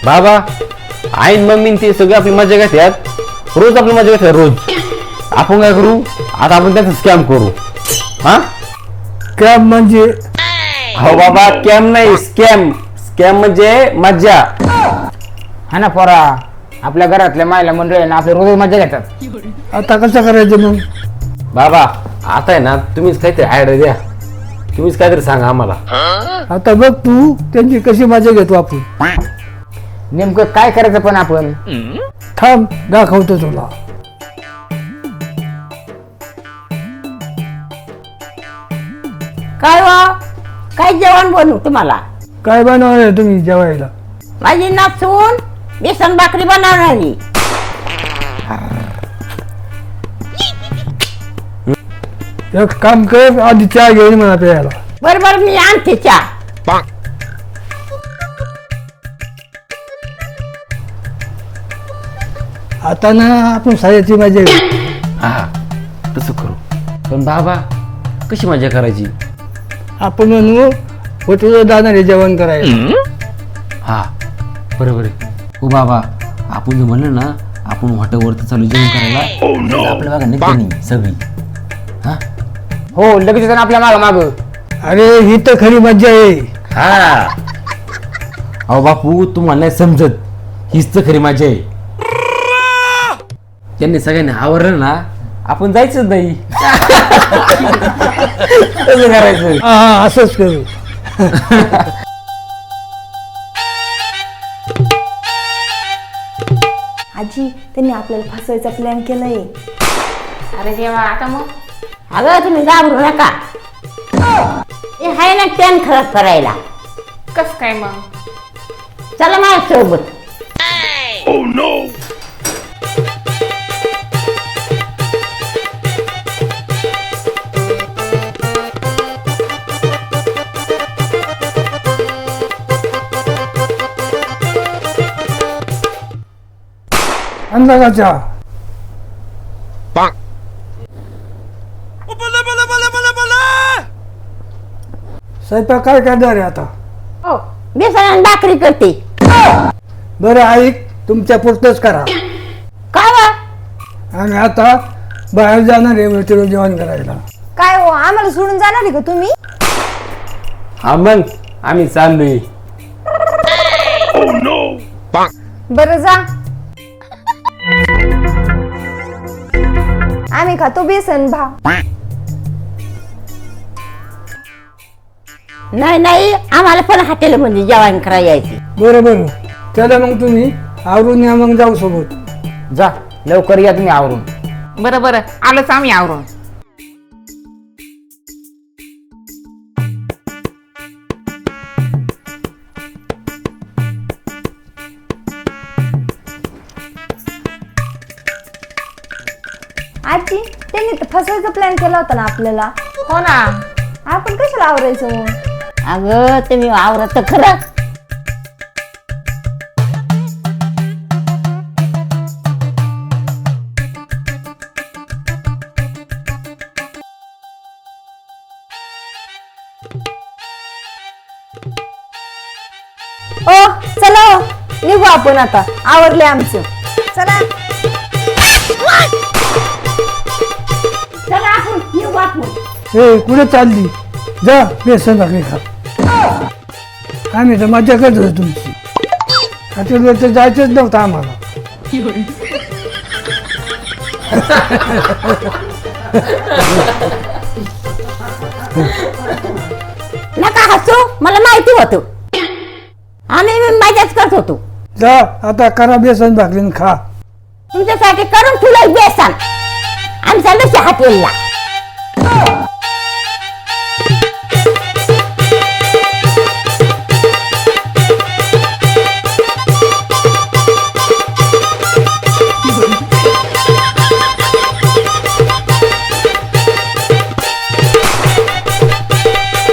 बाबा आईन मम्मी ते सगळे आपली मजा घेतात, रोज आपली मजा घेतात रोज. आपण काय करू आता, आपण त्याचा स्कॅम करू. हा कॅब म्हणजे हो बाबा, स्कॅम नाही, स्कॅम. स्कॅम म्हणजे मज्जा. हा ना पोरा, आपल्या घरातल्या महिला मंडळींना आपले रोज मजा घेतात. आता कसं करायचं मग? बाबा आता आहे ना, तुम्हीच काहीतरी आयडिया द्या, तुम्हीच काहीतरी सांगा आम्हाला. आता बघ तू त्यांची कशी मजा घेतो आपण. नेमकं काय करायचं पण आपण? थांब दाखवतो तुला. काय वा काय जेवण बनवू तुम्हाला? काय बनवणार आहे तुम्ही जेवायला? माझी नाचून बेसन भाकरी बनवणारी. एक काम कर, आधी चहा घेऊन मला प्यायला. बरोबर मी आणते चहा. आता ना आपण साऱ्याची मजा घेऊ. हा तसं करू. पण बाबा कशी मजा करायची? आपण म्हणू हॉटेलवर जाणार आहे जेवण करायला. हा बरोबर आहे. हो बाबा, आपण जे म्हणलं ना, आपण हॉटेलवरती चालू जेवण करायला, आपल्या बघा नाही सगळी. हा हो लगेच येतं ना आपल्या माग. अरे ही तर खरी मजा आहे. हा अहो बापू, तुम्हाला नाही समजत, हीच तर खरी मजा आहे. त्यांनी सगळ्यांनी आवरलं ना, आपण जायचंच नाही. कसं करायचं? हा हा असंच करू. आजी त्यांनी आपल्याला फसवायचा प्लॅन केलाय. अरे देवा, आता मग अगं तुम्ही घाबरू नका. हे आहे ना प्लॅन खराब करायला. कस काय मग? चला माझ्या सोबत. आणला का चहा? स्वयंपाक काय करणार आहे आता? हो बेसन आणि भाकरी करते. बरं ऐक, तुमच्या पुरतच करा. काय वा? आणि आता बाहेर जाणार आहे हॉटेलवर जेवण करायला. काय हो, आम्हाला सोडून जाणार आहे का तुम्ही? हा मग आम्ही चाललोय. बरं जा. आम्ही खातो बेसन भाव. नाही आम्हाला पण हॉटेलमध्ये जेवण करायला यायचे. बरं बरं, चला मग तुम्ही आवरून या, मग जाऊ सोबत. जा लवकर या तुम्ही आवरून. बरं बरं, आलोच आम्ही आवरून. आजी त्यांनी तर फसवायचा प्लॅन केला होता ना आपल्याला. हो ना. आपण कशाला आवरायचं मग? अगं तुम्ही आवरत खरं. ओ चला हो, निघू आपण आता. आवरले आमचं. चला. चला आपण येऊ आपण. ए कुठे चालली? जा बेसन भाकरी खा. आम्ही तर मजा करत होतो तुमची. हॉटेलवर तर जायचंच नव्हतं आम्हाला. नका हसू, मला माहिती होतं. आम्ही मजाच करत होतो. जा आता करा बेसन भाकरी आणि खा. तुमच्यासाठी करून ठेवलंय बेसन. आमच्या लक्ष हॉटेलला.